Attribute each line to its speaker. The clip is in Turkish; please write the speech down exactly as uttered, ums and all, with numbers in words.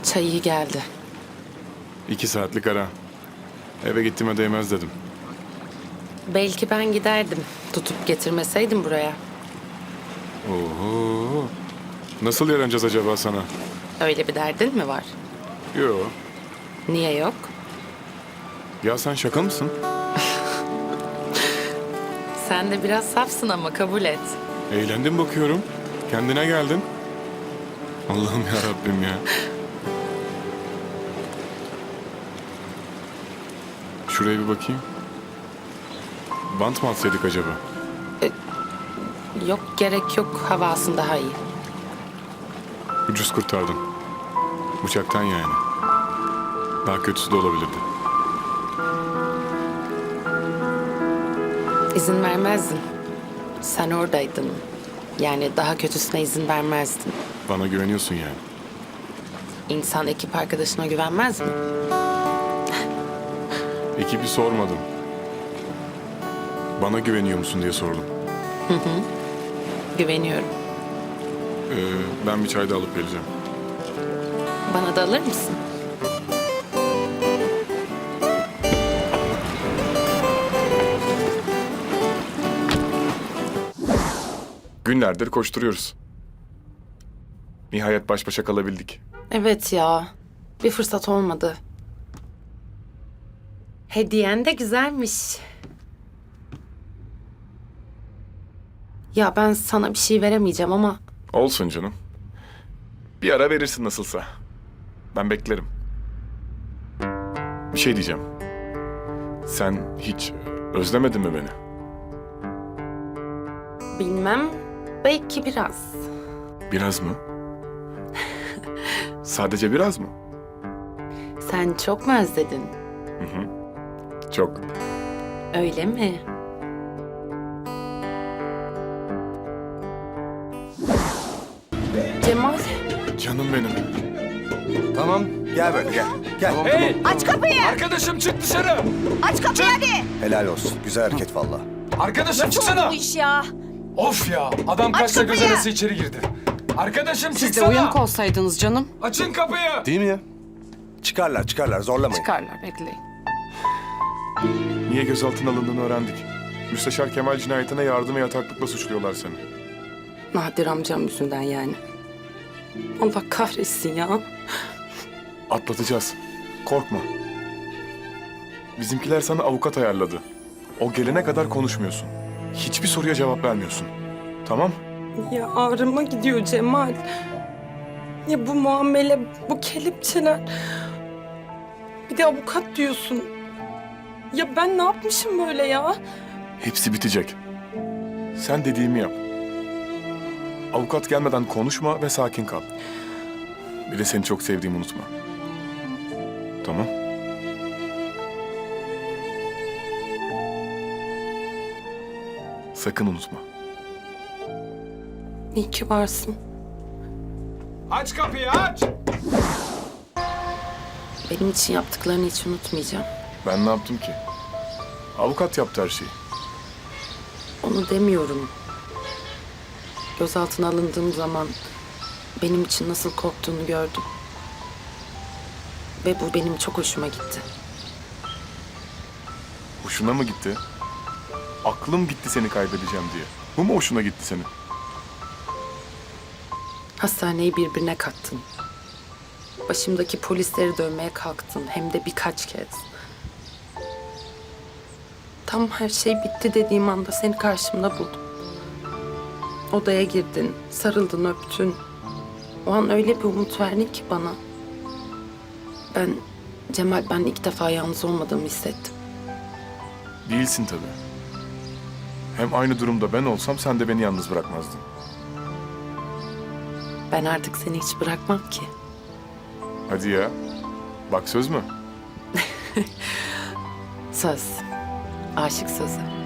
Speaker 1: Çay iyi geldi.
Speaker 2: İki saatlik ara. Eve gittiğime değmez dedim.
Speaker 1: Belki ben giderdim. Tutup getirmeseydim buraya.
Speaker 2: Oho. Nasıl yaranacağız acaba sana?
Speaker 1: Öyle bir derdin mi var?
Speaker 2: Yo.
Speaker 1: Niye yok?
Speaker 2: Ya sen şaka mısın?
Speaker 1: Sen de biraz safsın ama kabul et.
Speaker 2: Eğlendim bakıyorum. Kendine geldin. Allah'ım ya Rabbim ya. Şuraya bir bakayım. Bant mı atsaydık acaba?
Speaker 1: Yok gerek yok. Havasın daha iyi.
Speaker 2: Ucuz kurtardın. Bıçaktan yani. Daha kötüsü de olabilirdi.
Speaker 1: İzin vermezdin. Sen oradaydın. Yani daha kötüsüne izin vermezdin.
Speaker 2: Bana güveniyorsun yani.
Speaker 1: İnsan ekip arkadaşına güvenmez mi?
Speaker 2: Ekibi sormadım. Bana güveniyor musun diye sordum.
Speaker 1: Güveniyorum.
Speaker 2: Ee, ben bir çay da alıp geleceğim.
Speaker 1: Bana da alır mısın?
Speaker 2: Günlerdir koşturuyoruz. Nihayet baş başa kalabildik.
Speaker 1: Evet ya. Bir fırsat olmadı. Hediyen de güzelmiş. Ya ben sana bir şey veremeyeceğim ama
Speaker 2: Olsun canım. Bir ara verirsin nasılsa. Ben beklerim. Bir şey diyeceğim. Sen hiç özlemedin mi beni?
Speaker 1: bilmem. Belki biraz.
Speaker 2: Biraz mı? Sadece biraz mı?
Speaker 1: Sen çok mu özledin?
Speaker 2: Çok.
Speaker 1: Öyle mi? Cemal,
Speaker 2: Canım benim.
Speaker 3: Tamam, gel böyle gel. Gel.
Speaker 4: Hey!
Speaker 5: Aç kapıyı!
Speaker 4: Arkadaşım çık dışarı!
Speaker 5: Aç kapıyı hadi!
Speaker 3: Helal olsun. Güzel hareket valla.
Speaker 4: Arkadaşım
Speaker 5: Nasıl oldu
Speaker 4: çıksana!
Speaker 5: bu iş ya?
Speaker 4: Of ya! Adam
Speaker 5: Aç
Speaker 4: kaçta göz
Speaker 5: kapıyı!
Speaker 4: arası içeri girdi. Arkadaşım
Speaker 6: Siz de
Speaker 4: çıksana!
Speaker 6: uyanık olsaydınız canım.
Speaker 4: Açın kapıyı!
Speaker 3: Değil mi ya? Çıkarlar çıkarlar zorlamayın.
Speaker 6: Çıkarlar, bekleyin.
Speaker 2: Niye gözaltına alındığını öğrendik. Müsteşar Kemal cinayetine yardım ve yataklıkla suçluyorlar seni.
Speaker 1: Nadir amcam yüzünden yani. Allah kahretsin ya.
Speaker 2: Atlatacağız. Korkma. Bizimkiler sana avukat ayarladı. O gelene kadar konuşmuyorsun. Hiçbir soruya cevap vermiyorsun. Tamam?
Speaker 1: Ya ağrıma gidiyor Cemal. Ya bu muamele, bu kelepçeler. Bir de avukat diyorsun. Ya ben ne yapmışım böyle ya?
Speaker 2: Hepsi bitecek. Sen dediğimi yap. Avukat gelmeden konuşma ve sakin kal. Bir de seni çok sevdiğimi unutma. Tamam? Sakın unutma.
Speaker 1: İyi ki varsın.
Speaker 4: Aç kapıyı aç!
Speaker 1: Benim için yaptıklarını hiç unutmayacağım.
Speaker 2: Ben ne yaptım ki? Avukat yaptı her şeyi.
Speaker 1: Onu demiyorum. Gözaltına alındığım zaman benim için nasıl korktuğunu gördüm. Ve bu benim çok hoşuma gitti.
Speaker 2: Hoşuna mı gitti? Aklım gitti seni kaybedeceğim diye. Bu mu hoşuna gitti senin?
Speaker 1: Hastaneyi birbirine kattın. Başımdaki polisleri dövmeye kalktın. Hem de birkaç kez. Tam her şey bitti dediğim anda seni karşımda buldum. Odaya girdin, sarıldın, öptün. O an öyle bir umut verdin ki bana. Ben, Cemal ben ilk defa yalnız olmadığımı hissettim.
Speaker 2: Değilsin tabii. Hem aynı durumda ben olsam sen de beni yalnız bırakmazdın.
Speaker 1: Ben artık seni hiç bırakmam ki.
Speaker 2: Hadi ya. Bak söz mü?
Speaker 1: Söz. Aşık sözü.